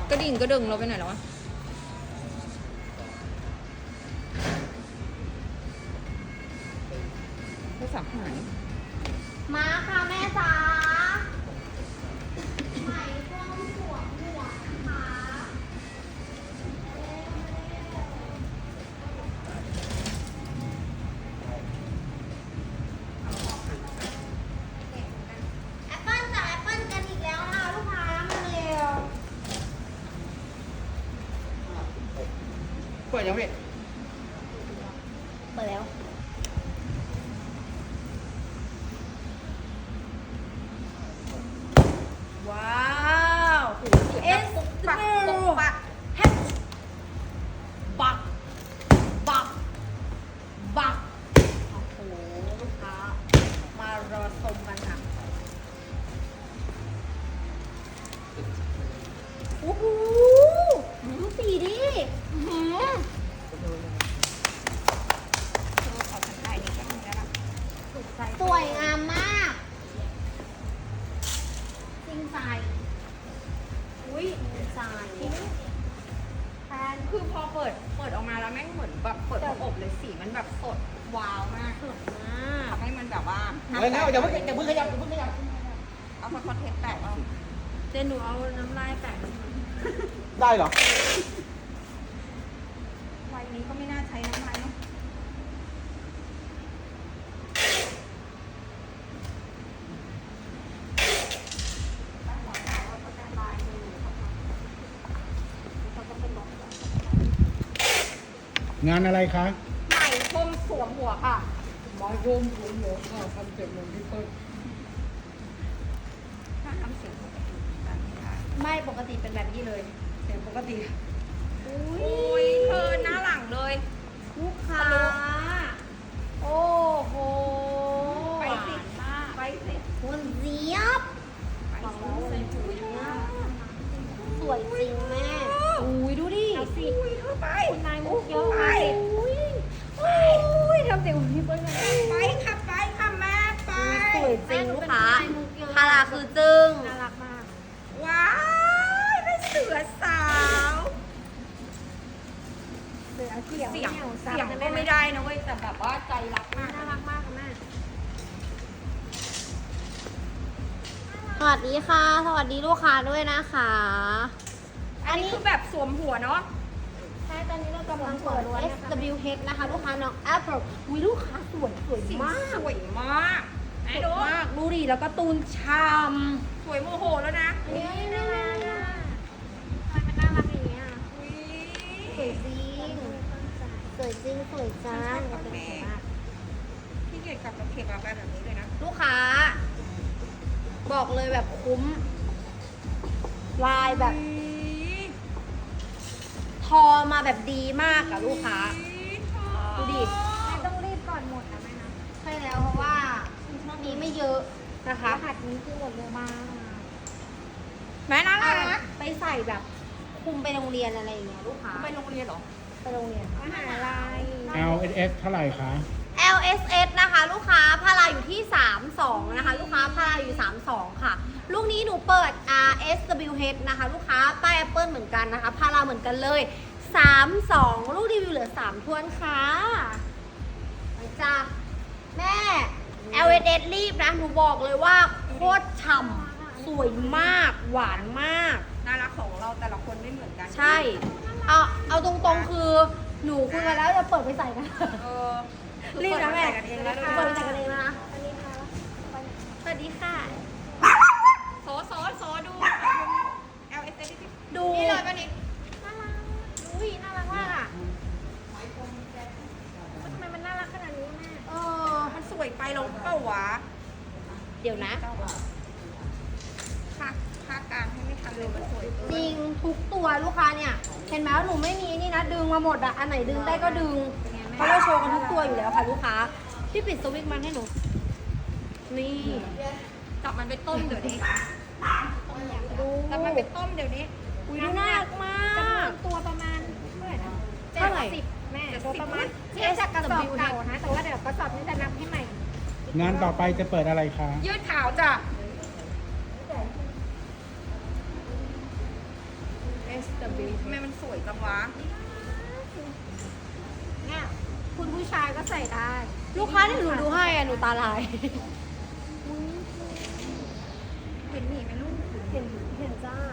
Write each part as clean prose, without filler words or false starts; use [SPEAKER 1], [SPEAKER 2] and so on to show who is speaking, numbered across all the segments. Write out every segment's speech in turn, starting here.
[SPEAKER 1] กระดิ่งกระดึงเราไปไหนแล้ววะโทรศัพท์หาย
[SPEAKER 2] มาค่ะแม่จ๋าไหมพรมสวมหมวกนะคะแอปเปิ้ลจากแอปเปิ้ลกันอีกแล้วค่ะลูกค้ามาเร็ว
[SPEAKER 3] เปิดยังพี่
[SPEAKER 2] เปิดแล้วว้าวเอสปักปักแฮปบักบักบักโอ้โหลูกค้ามารอชมกันค่ะโอ้โหดูสีดิสวยงามมากจริงใจอุ้ยจริงใจแฟน
[SPEAKER 1] คือพอเปิดออกมาแล้วแม่งเหมือนแบบเปิดพออบเลยสีมันแบบสดว้าวมาก
[SPEAKER 2] สวยมาก
[SPEAKER 1] ทำให้มันแบบว่า
[SPEAKER 3] เฮ้ยนะอย่าเพิ่งขยับอย่าเพิ่งขยับ
[SPEAKER 1] เอาคอนเทนต์แตกเอา
[SPEAKER 2] เจนหนูเอาน้ำลายแปะ
[SPEAKER 3] ได้เหรอ
[SPEAKER 1] วัยนี้ก็ไม่น่าใช้น้ำลายเนาะ
[SPEAKER 3] งานอะไรคะ
[SPEAKER 1] ใหม่พรมสวมหัวค่ะ
[SPEAKER 3] ไม้รวมผมหลงค่ะคอนเซ็ปต์เหมือนพี่เปิ้ล
[SPEAKER 1] ถ้าทำเสียงปกติแบบนี้ได้
[SPEAKER 2] ไม่ปกติเป็นแบบนี้เลยเสียงปกติ
[SPEAKER 1] โอ้ยเธอหน้าหลังเลย
[SPEAKER 2] ลูกค้า โอ้โห
[SPEAKER 1] ไปสิไปสิ
[SPEAKER 2] คุณเจี๊ยบ
[SPEAKER 1] ไปสิ
[SPEAKER 2] สวยจริงแม่อุ้ยดูดิ
[SPEAKER 1] อุ้ยเธอไป
[SPEAKER 2] คุณนายมุกเยอะ
[SPEAKER 1] ไป
[SPEAKER 2] อุ้ยทำเสียงพี่เปิ้ล
[SPEAKER 1] ไปค่ะไปค่ะแม่ไป
[SPEAKER 2] สวยจริงลูกค้าพาราคือจึ้งน่ารักมาก
[SPEAKER 1] ว้ายเป็นเสือสาว
[SPEAKER 2] เสือเขียว
[SPEAKER 1] เสียงก็ไม่ได้นะเว้ยแต่แบบว่าใจรักมาก
[SPEAKER 2] น่ารักมากค่ะแม่สวัสดีค่ะ สวัสดีลูกค้าด้วยนะคะ
[SPEAKER 1] อันนี้คือแบบสวมหัวเนาะ
[SPEAKER 2] ใช่ ตอนนี้เรากำลังเปิด SWH นะคะ ลูกค้าน้อง Apple อุ้ยลูกค้าสวย
[SPEAKER 1] สี
[SPEAKER 2] มาก
[SPEAKER 1] สวยมากไหนดู
[SPEAKER 2] มาก ดูดิ แล้วก็ตูนชาม
[SPEAKER 1] สวยโมโหแล้วนะ
[SPEAKER 2] นี่น่ารักอ่ะทำไมมันน่ารักอย่างเงี้ย
[SPEAKER 1] อุ๊ย
[SPEAKER 2] สวยจริง สวยจริง สวยจัง
[SPEAKER 1] กาแฟพี่เกียรติกลับกับเคกาแฟแบบนี้เลยนะ
[SPEAKER 2] ลูกค้า บอกเลยแบบคุ้ม ลายแบบ ทอมาแบบดีมากอะลูกค้า ดูดิ
[SPEAKER 4] ต้องรีบก่อนหมดนะแม่นะ
[SPEAKER 2] ใช่แล้วเพราะว่านี้ไม่เยอะนะคะ
[SPEAKER 4] รหัสนี้คือหมดเร็วมาก
[SPEAKER 1] แม่น่ารัก
[SPEAKER 2] ไปใส่แบบคุมไปโรงเรียนอะไรอย่างเงี้ยลูกค้า
[SPEAKER 1] ไปโรงเรียนเหรอ
[SPEAKER 2] ไปโรงเรียน
[SPEAKER 4] มหาลัย
[SPEAKER 3] LSS เท่าไหร่คะ
[SPEAKER 2] LSS นะคะลูกค้าพาราอยู่ที่ 32 นะคะ ลูกค้าพาราอยู่ 32 ค่ะ ลูกนี้หนูเปิด RSWH นะคะ ลูกค้าป้าย Apple เหมือนกันนะคะพาราเหมือนกันเลย 32 ลูกรีวิวเหลือ 3 ทวนค่ะไปจ้าแม่ LSS รีบนะ หนูบอกเลยว่าโคตรฉ่ำสวยมาก หวานมาก
[SPEAKER 1] น่ารักของเราแต่ละคนไม่เหมือนกัน
[SPEAKER 2] ใช่ เอาตรงๆคือหนูคุยกันแล้วจะเปิดไปใส่กัน
[SPEAKER 1] เออ
[SPEAKER 2] รีบนะแม่
[SPEAKER 1] เปิดมาใส่กันเองแล้วด้วย
[SPEAKER 2] เปิดไปใส่กันเองแล้วนะสวัสดีค่ะ
[SPEAKER 1] โซดู LSS ที่
[SPEAKER 2] ดู
[SPEAKER 1] นี่เลยป่ะนี่
[SPEAKER 4] น่ารักอุ้ยน่ารักมากอ่ะทำไมมันน่ารักขนาดนี้แม่
[SPEAKER 2] เออ
[SPEAKER 1] มันสวยไปลงเปล่าวะ
[SPEAKER 2] เดี๋ยวนะ
[SPEAKER 1] ค่ากลางให้ไม่ทันเลยมันสวยเกิน
[SPEAKER 2] จริงทุกตัวลูกค้าเนี่ย เห็นไหมว่าหนูไม่มีนี่นะ ดึงมาหมดอะอันไหนดึงได้ก็ดึง เพราะเราโชว์กันทุกตัวอยู่แล้วค่ะลูกค้า พี่ปิดสวิตช์มันให้หนู นี่
[SPEAKER 1] จับมันไปต้มเดี๋ยวนี้
[SPEAKER 2] ดู
[SPEAKER 1] จับมันไปต้มเดี๋ยวนี้
[SPEAKER 2] อุ้ยดูน่ารักมาก
[SPEAKER 4] ตัวประมาณเท่าไหร่นะ
[SPEAKER 2] เท่าไหร่
[SPEAKER 4] 70แม่
[SPEAKER 1] 70
[SPEAKER 4] ตัวประมาณเทียบจากกระสอบเก่านะ แต่ว่าเดี๋ยวกระสอบนี้จะนับให้ใหม่
[SPEAKER 3] งานต่อไปจะเปิดอะไรคะ
[SPEAKER 1] ยืดขาวจ้ะ S ทำไมมันสวยจังวะ
[SPEAKER 4] เนี่ยคุณผู้ชายก็ใส่ได้
[SPEAKER 2] ลูกค้าที่หนูดูให้อะหนูตาลาย
[SPEAKER 1] เห็นหนีไหมลูก
[SPEAKER 2] เห็นจ้า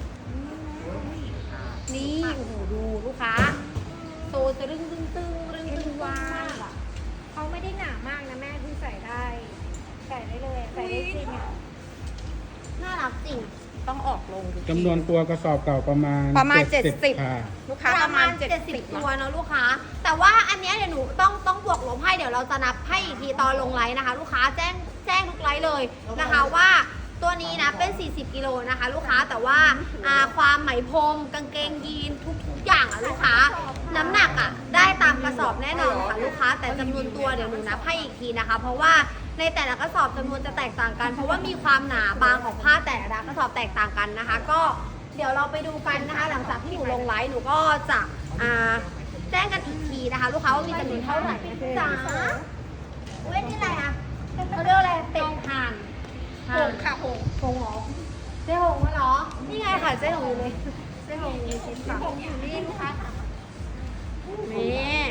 [SPEAKER 2] นี่โอ้โหดูลูกค้าโตจะรึงตึงตึงรึงตึงมากอะ
[SPEAKER 4] เขาไม่ได้หนามากนะแม่ที่ใส่ได้ ใส่ได้เลยใส่ได้จริงอ่ะ
[SPEAKER 2] น่ารักจริง
[SPEAKER 1] ต้องออกลง
[SPEAKER 3] จำนวนตัวกระสอบเก่าประมาณ
[SPEAKER 1] 70
[SPEAKER 3] ค่ะ
[SPEAKER 1] ลูกค้าประมาณ 70
[SPEAKER 2] ตัวเนอะลูกค้า แต่ว่าอันเนี้ยเดี๋ยวหนูต้องบวกลบให้เดี๋ยวเราจะนับให้อีกทีตอนลงไลน์นะคะ ลูกค้าแจ้งทุกไลน์เลยนะคะว่าตัวนี้นะเป็น 40 กิโลนะคะ ลูกค้าแต่ว่าความไหมพรมกางเกงยีนทุกอย่างอะลูกค้า น้ำหนักอะได้ตามกระสอบแน่นอนค่ะลูกค้า แต่จำนวนตัวเดี๋ยวหนูนับให้อีกทีนะคะ เพราะว่าในแต่ละกระสอบจำนวนจะแตกต่างกัน เพราะว่ามีความหนาบางของผ้าแต่ละกระสอบแตกต่างกันนะคะ ก็เดี๋ยวเราไปดูกันนะคะ หลังจากที่หนูลงไลฟ์หนูก็จะแจ้งกันอีกทีนะคะ ลูกค้าว่ามีจำนวนเท่าไหร่นะจ๊ะเว้ยนี่อะไรอะเขาเรียกอะไรเป็ดห่าน
[SPEAKER 1] หงค่ะหง
[SPEAKER 2] หงเหรอเจ๊หงเหรอนี่ไงค่ะเจ๊หงอยู่เลยเจ๊หงอยู่ชิ้นค่ะ
[SPEAKER 1] หงอยู่นี่ลูกค้าค่ะ
[SPEAKER 2] นี่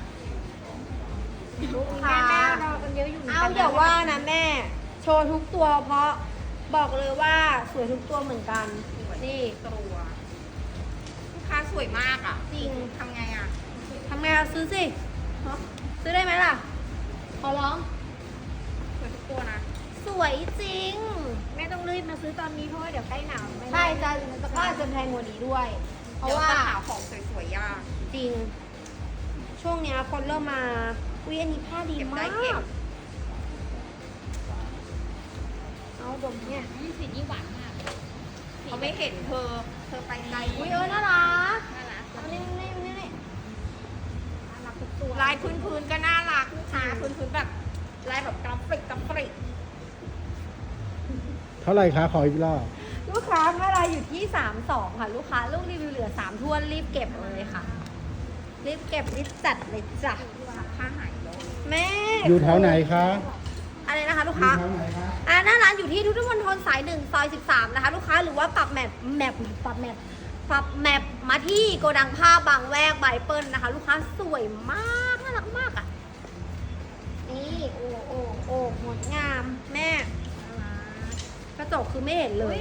[SPEAKER 2] ลูกค้า
[SPEAKER 4] แม่รอกันเยอะอยู่
[SPEAKER 2] เอาอย่าว่านะแม่ โชว์ทุกตัวเพราะบอกเลยว่าสวยทุกตัวเหมือนกัน นี่
[SPEAKER 1] ตัวลูกค้าสวยมากอ่ะ
[SPEAKER 2] จริง
[SPEAKER 1] ทำไงอ่ะ
[SPEAKER 2] ทำไงอะซื้อสิซื้อได้ไหมล่ะ ขอร้อง
[SPEAKER 1] สวยทุกตัวนะ
[SPEAKER 2] สวยจริง
[SPEAKER 4] แม่ต้องรีบมาซื้อตอนนี้เพราะว่าเดี๋ยวใกล้หนาวไม่
[SPEAKER 2] ใช่จะก็อาจจะแพงกว่านี้ด้วย เพราะ
[SPEAKER 1] เดี๋ยว
[SPEAKER 2] ว่า
[SPEAKER 1] จะหาของสวยๆยาก
[SPEAKER 2] จริง ช่วงเนี้ยคนเริ่มมาอุ้ยอันนี้ผ้าดี
[SPEAKER 1] เก็บ
[SPEAKER 2] มา
[SPEAKER 1] ได้เก็
[SPEAKER 2] ก
[SPEAKER 1] บ
[SPEAKER 2] เอาดมเนี่ย
[SPEAKER 1] เขาไม่เห็นเธอไปไกล
[SPEAKER 2] อุ้ยน่ารัก
[SPEAKER 1] น่ารัก
[SPEAKER 2] เอานี่นี่นี่นี่
[SPEAKER 4] รักทุกตัว
[SPEAKER 1] ลายพื้นๆก็น่ารักลูกค้าพื้นๆแบบลายแบบกราฟิก
[SPEAKER 3] เท่าไหร่คะขออีกรอบ
[SPEAKER 2] ลูกค้าเมื่อไรอยู่ที่ 32 ค่ะ ลูกค้าลูกรีวิวเหลือ3ถ้วนรีบเก็บเลยค่ะ รีบเก็บรีบจัดเลยจ้ะ
[SPEAKER 1] ผ้าหายเลย
[SPEAKER 2] แม่
[SPEAKER 3] อยู่แถวไหนคะ
[SPEAKER 2] อะไรนะคะลูก
[SPEAKER 3] อยู่
[SPEAKER 2] ค้า
[SPEAKER 3] แถวไหนคะ
[SPEAKER 2] หน้าร้านอยู่ที่พุทธมณฑลสาย1ซอย13นะคะ ลูกค้าหรือว่าปรับแมปมาที่โกดังผ้าบางแวกไบเปิลนะคะ ลูกค้าสวยมากน่ารักมากอ่ะนี่โอ้งดงามแม่กระจกคือไม่เห็นเลย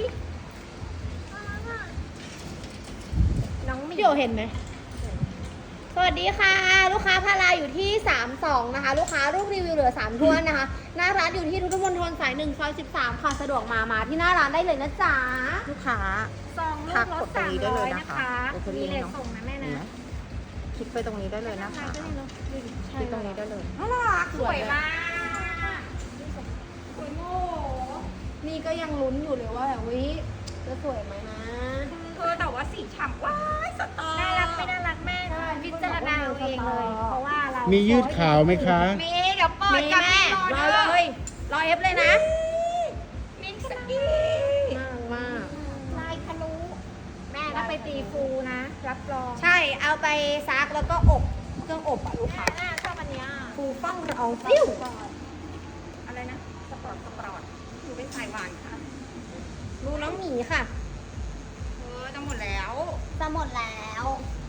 [SPEAKER 2] น้องไม่โยเห็นไหมสวัสดีค่ะ ลูกค้าพาราอยู่ที่ 32 นะคะ ลูกค้ารูปรีวิวเหลือ3ถ้วนนะคะ หน้าร้านอยู่ที่พุทธมณฑลสาย1ซอย13ค่ะสะดวกมาที่หน้าร้านได้เลยนะจ๊ะ
[SPEAKER 1] ลูกค้า
[SPEAKER 4] ซองลู
[SPEAKER 1] ทั
[SPEAKER 4] ก
[SPEAKER 1] ก
[SPEAKER 4] ร
[SPEAKER 1] ก
[SPEAKER 4] ถ
[SPEAKER 1] ดตรงนี้ได้เลย
[SPEAKER 4] 300
[SPEAKER 1] นะ
[SPEAKER 4] นะคะ คะ
[SPEAKER 1] เดี๋ยวจะ
[SPEAKER 4] มี
[SPEAKER 1] เรียน
[SPEAKER 4] เลท
[SPEAKER 1] เนาะ
[SPEAKER 4] ส่งนะแม่
[SPEAKER 1] เห็น
[SPEAKER 4] นะ
[SPEAKER 1] ไหมคลิกไปตรงนี้ได้เลยนะคะ
[SPEAKER 4] ใช่
[SPEAKER 1] คลิกตรงนี้ได้เลยน่ารักสวยมาก
[SPEAKER 2] สวยโง่นี่ก็ยังลุ้นอยู่เลยว่าแบบวิจะสวยไหมนะ
[SPEAKER 1] เธอแต่ว่าสีฉ่ำว้ายสตอ
[SPEAKER 4] น่ารักไม่น่ารักแม่พิจารณาเอาเองเลย เพราะว่าเรา
[SPEAKER 3] มี
[SPEAKER 4] มี
[SPEAKER 3] ยืดขาวไหมคะ
[SPEAKER 1] มีเดี๋ยวเปิด
[SPEAKER 2] มี
[SPEAKER 1] กับ
[SPEAKER 2] แม่
[SPEAKER 1] มี
[SPEAKER 2] ร
[SPEAKER 1] ร
[SPEAKER 2] อ
[SPEAKER 1] อ
[SPEAKER 2] เล
[SPEAKER 1] เลย
[SPEAKER 2] รอเอฟเลยนะ
[SPEAKER 1] มิกซ์กี้
[SPEAKER 2] มาก
[SPEAKER 4] ลายทะลุแม่ถ้าไปตีฟูนะ รับรอง
[SPEAKER 2] ใช่เอาไปซักแล้วก็อบเครื่องอบอ่ะลูกค้า
[SPEAKER 4] แม่ชอบอันเนี้ย
[SPEAKER 2] ฟูฟ่องละอองฟิว
[SPEAKER 1] อะไรนะสปอร์ตอยู่เป็นสายหวานค่ะ
[SPEAKER 2] ดูน้องหมีค่ะ
[SPEAKER 1] จะหมดแล้ว
[SPEAKER 2] จะหมดแล้ว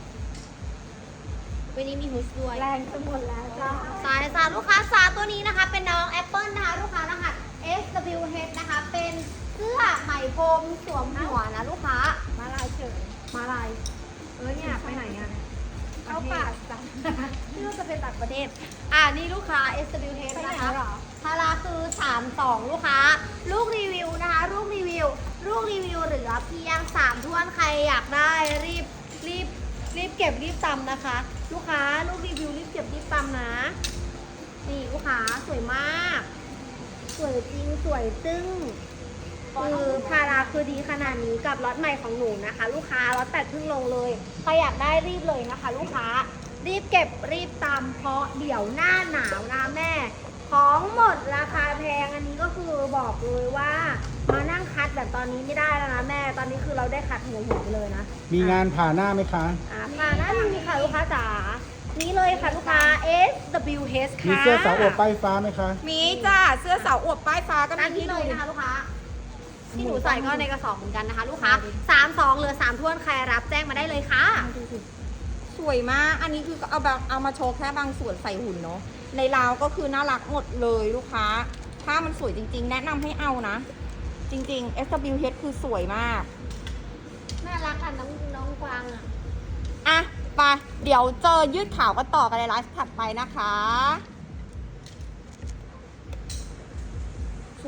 [SPEAKER 2] วันนี้มีฮูสด้วย
[SPEAKER 4] แรงจะหมดแล้วจ้า
[SPEAKER 2] สายสาลูกค้าสาตัวนี้นะคะ เป็นน้องแอปเปิลนะคะลูกค้ารหัส SWH นะคะ เป็นเสื้อไหมพรมสวมหัวนะลูกค้า
[SPEAKER 4] มาลายเฉย
[SPEAKER 2] มาลายเนี่ยไปไหนอ่ะ
[SPEAKER 4] เข้าป่าจ้ะ
[SPEAKER 2] นี่เราจะเป็นต่างประเทศนี่ลูกค้า SWH
[SPEAKER 4] ไปไหน
[SPEAKER 2] นะคะ
[SPEAKER 4] เหรอ
[SPEAKER 2] พาราคือ 32 ลูกค้า ลูกรีวิวนะคะลูกรีวิวเหลือเพียง3ถ้วนใครอยากได้รีบเก็บรีบตำนะคะ ลูกค้าลูกรีวิวรีบเก็บรีบตำนะ นี่ลูกค้าสวยมาก สวยจริงสวยจึ้งคือพาราคือดีขนาดนี้กับล็อตใหม่ของหนูนะคะ ลูกค้าล็อต8เพิ่งลงเลยใครอยากได้รีบเลยนะคะ ลูกค้ารีบเก็บรีบตำเพราะเดี๋ยวหน้าหนาวนะแม่ ของหมดราคาแพงอันนี้ก็คือบอกเลยว่ามานั่งคัดแบบตอนนี้ไม่ได้แล้วนะแม่ ตอนนี้คือเราได้คัดหัวหินไปเลยนะ
[SPEAKER 3] มีงานผ่าหน้าไหมคะ
[SPEAKER 2] ค่ะน่ามีค่ะลูกค้าจ๋านี้เลยค่ะลูกค้า SWH ค่ะ
[SPEAKER 3] มีเสื้อสาวอวบป้ายฟ้าไหมคะ
[SPEAKER 1] มีจ้าเสื้อสาวอวบป้ายฟ้าก็
[SPEAKER 2] ตาม
[SPEAKER 1] มี
[SPEAKER 2] นี้
[SPEAKER 1] ที่
[SPEAKER 2] เล
[SPEAKER 1] ดู
[SPEAKER 2] ยนะคะลูกค้าที่หนูใส่ก็ในกระสอบเหมือนกันนะคะ ลูกค้า32เหลือ3ท้วนใครรับแจ้งมาได้เลยค่ะ
[SPEAKER 5] สวยมาก อันนี้คือเอามาโชว์แค่บางส่วนใส่หุ่นเนาะ ในราวก็คือน่ารักหมดเลยลูกค้า ถ้ามันสวยจริงๆ แนะนำให้เอานะ จริงๆ SWH คือสวยมาก
[SPEAKER 2] น่ารักอ่ะน้องกวางอ่ะ
[SPEAKER 5] อ่ะ ไป เดี๋ยวเจอยืดขาวกันต่อกันในไลฟ์ถัดไปนะคะ